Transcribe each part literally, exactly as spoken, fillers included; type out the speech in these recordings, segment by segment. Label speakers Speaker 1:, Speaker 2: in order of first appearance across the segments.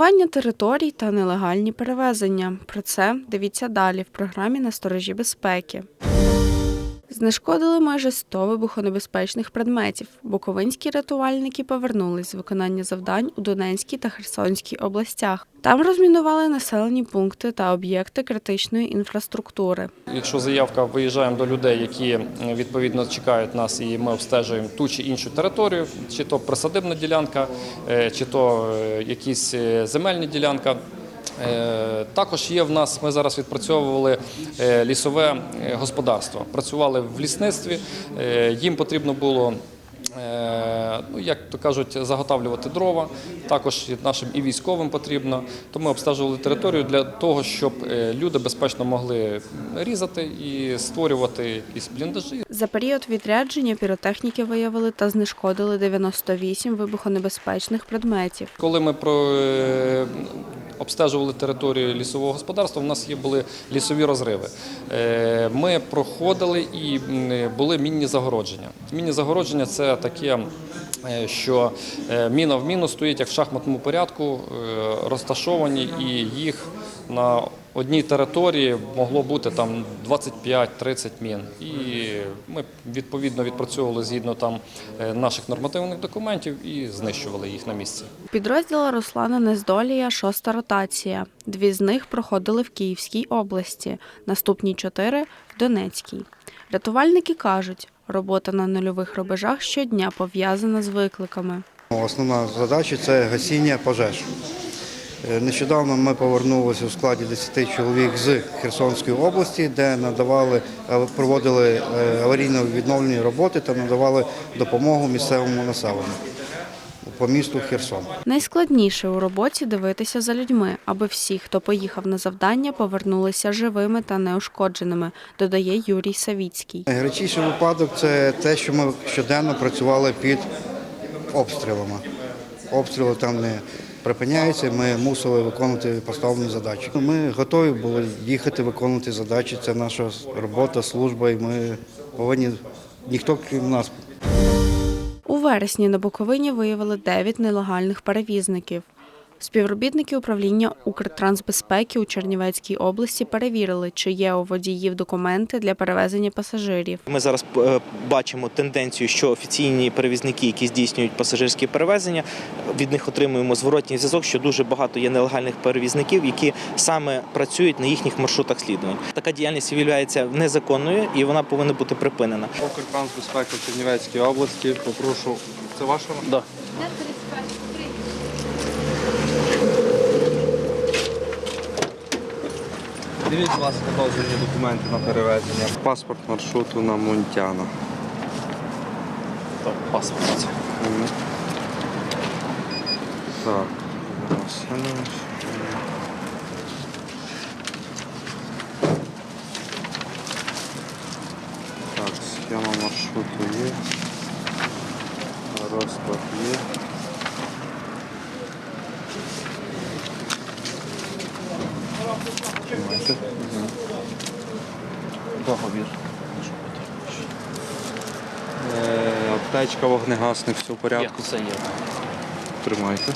Speaker 1: Мінування територій та нелегальні перевезення. Про це дивіться далі в програмі «На сторожі безпеки». Знешкодили майже сто вибухонебезпечних предметів. Буковинські рятувальники повернулись з виконання завдань у Донецькій та Херсонській областях. Там розмінували населені пункти та об'єкти критичної інфраструктури.
Speaker 2: Якщо заявка, виїжджаємо до людей, які відповідно чекають нас, і ми обстежуємо ту чи іншу територію, чи то присадибна ділянка, чи то якісь земельні ділянки. Також є в нас, ми зараз відпрацьовували лісове господарство, працювали в лісництві, їм потрібно було, ну, як то кажуть, заготавлювати дрова, також нашим і військовим потрібно, то ми обстежували територію для того, щоб люди безпечно могли різати і створювати якісь бліндажі.
Speaker 1: За період відрядження піротехніки виявили та знешкодили дев'яносто вісім вибухонебезпечних предметів.
Speaker 2: Коли ми про обстежували територію лісового господарства, у нас є були лісові розриви. Ми проходили і були мінні загородження. Мінні загородження – це таке, що міна в міну стоїть як в шахматному порядку, розташовані, і їх на одній території могло бути там двадцять п'ять - тридцять мін. І ми відповідно відпрацьовували згідно там наших нормативних документів і знищували їх на місці.
Speaker 1: Підрозділ Руслана Нездолія – шоста ротація. Дві з них проходили в Київській області, наступні чотири – в Донецькій. Рятувальники кажуть, робота на нульових рубежах щодня пов'язана з викликами.
Speaker 3: Основна задача – це гасіння пожеж. Нещодавно ми повернулися у складі десяти чоловік з Херсонської області, де надавали, проводили аварійно-відновлені роботи та надавали допомогу місцевому населенню по місту Херсон.
Speaker 1: Найскладніше у роботі – дивитися за людьми, аби всі, хто поїхав на завдання, повернулися живими та неушкодженими, додає Юрій Савіцький.
Speaker 3: Найгарячіший випадок – це те, що ми щоденно працювали під обстрілами. Обстріли там не припиняються, ми мусили виконувати поставлені задачі. Ми готові були їхати виконувати задачі, це наша робота, служба, і ми повинні, ніхто крім нас.
Speaker 1: У вересні на Буковині виявили дев'ять нелегальних перевізників. Співробітники управління Укртрансбезпеки у Чернівецькій області перевірили, чи є у водіїв документи для перевезення пасажирів.
Speaker 4: Ми зараз бачимо тенденцію, що офіційні перевізники, які здійснюють пасажирські перевезення, від них отримуємо зворотній зв'язок, що дуже багато є нелегальних перевізників, які саме працюють на їхніх маршрутах слідувань. Така діяльність є незаконною і вона повинна бути припинена.
Speaker 5: Укртрансбезпека в Чернівецькій області. Попрошу. Це ваша?
Speaker 4: Да.
Speaker 5: Дивіться, будь ласка, дозвільні документи на перевезення. Паспорт маршруту на Мунтяна.
Speaker 4: Так, паспорт.
Speaker 5: Угу. Так. Васильович. Так, схема маршруту є. Розклад є.
Speaker 4: Договір.
Speaker 5: Е, аптечка, вогнегасник, все в порядку.
Speaker 4: Все є.
Speaker 5: Тримайте.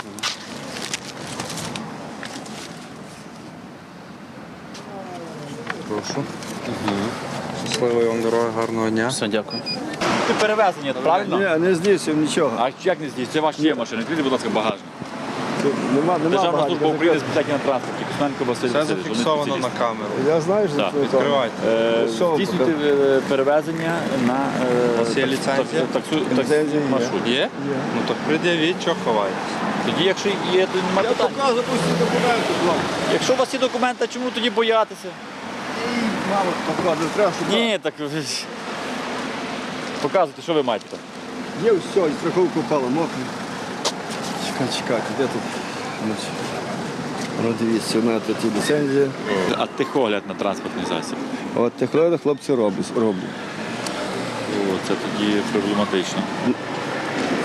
Speaker 5: Прошу. Угу. Щасливої вам дороги, гарного дня.
Speaker 4: Все, дякую.
Speaker 6: Ти перевезення, правильно?
Speaker 7: Ні, не здійснив нічого.
Speaker 6: А як не здійснив? Це ваші є машини. Відкрийте, будь ласка, багажник.
Speaker 7: Нема, нема
Speaker 6: Державна
Speaker 7: багатька,
Speaker 6: служба України з
Speaker 7: закрито.
Speaker 6: питань на транспорті. Костенко Василь
Speaker 5: Це
Speaker 6: Васильович. вони
Speaker 5: зафіксовано на
Speaker 6: спеціалісти.
Speaker 5: камеру.
Speaker 7: Я знаю, що
Speaker 6: Так,
Speaker 7: це
Speaker 5: відкривайте.
Speaker 6: Е,
Speaker 7: Що ви
Speaker 6: Здійснюйте е, перевезення на
Speaker 5: У вас є
Speaker 6: е,
Speaker 5: ліцензія?
Speaker 6: так- таксу-
Speaker 7: Ліцензія
Speaker 6: таксі
Speaker 7: є.
Speaker 6: маршрут.
Speaker 5: Є? Ну так пред'явіть, що ховаєтесь.
Speaker 6: Тоді, якщо є, то немає питань.
Speaker 7: показую усі документи, блок.
Speaker 6: Якщо у вас є документи, чому тоді боятися?
Speaker 7: Мало показую, треба, щоб
Speaker 6: Ні, так ви ж- показуйте, що ви маєте там.
Speaker 7: є все, і страховку впала, мокрий. Чекай, чекайте, де тут? Значить, ну, дивіться, у мене тут і ліцензія.
Speaker 6: А техогляд на транспортний засіб.
Speaker 7: От техледи хлопці роблять. роблять.
Speaker 6: О, це тоді проблематично.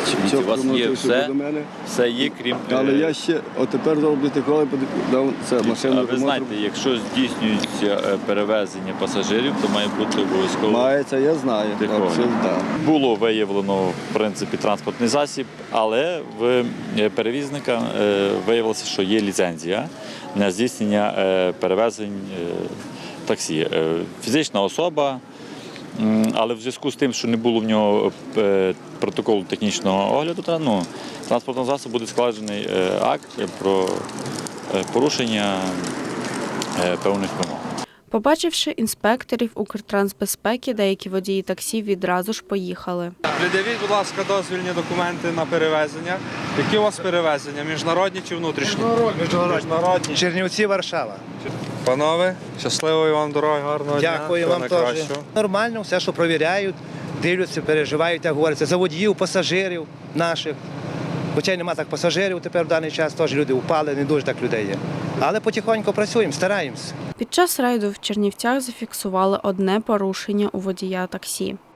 Speaker 8: Дивіться, у вас є все,
Speaker 7: до мене.
Speaker 8: все є, крім...
Speaker 7: Але
Speaker 8: е,
Speaker 7: я ще, от тепер зробити коли дав це машину.
Speaker 8: А ви знаєте, якщо здійснюється е, перевезення пасажирів, то має бути обов'язково
Speaker 7: Мається, я знаю.
Speaker 8: техогляд.
Speaker 7: Абсолютно, так.
Speaker 8: Було виявлено, в принципі, транспортний засіб, але в е, перевізника е, виявилося, що є ліцензія на здійснення е, перевезень е, таксі. Е, Фізична особа, м, але в зв'язку з тим, що не було в нього е, протоколу технічного огляду, та, ну, транспортного засобу буде складений е, акт про е, порушення е, певних вимог.
Speaker 1: Побачивши інспекторів Укртрансбезпеки, деякі водії таксі відразу ж поїхали.
Speaker 5: Придивіть, будь ласка, дозвільні документи на перевезення. Які у вас перевезення? Міжнародні чи внутрішні? Міжнародні. Міжнародні.
Speaker 9: Чернівці, Варшава.
Speaker 5: Панове, щасливої вам дороги, гарного дня.
Speaker 9: Дякую
Speaker 5: Всього
Speaker 9: вам теж.
Speaker 5: найкращого.
Speaker 9: Нормально, все, що провіряють, дивляться, переживають, як говориться, за водіїв, пасажирів наших. Хоча й нема так пасажирів тепер в даний час, теж люди впали, не дуже так людей є. Але потихоньку працюємо, стараємося.
Speaker 1: Під час рейду в Чернівцях зафіксували одне порушення у водія таксі.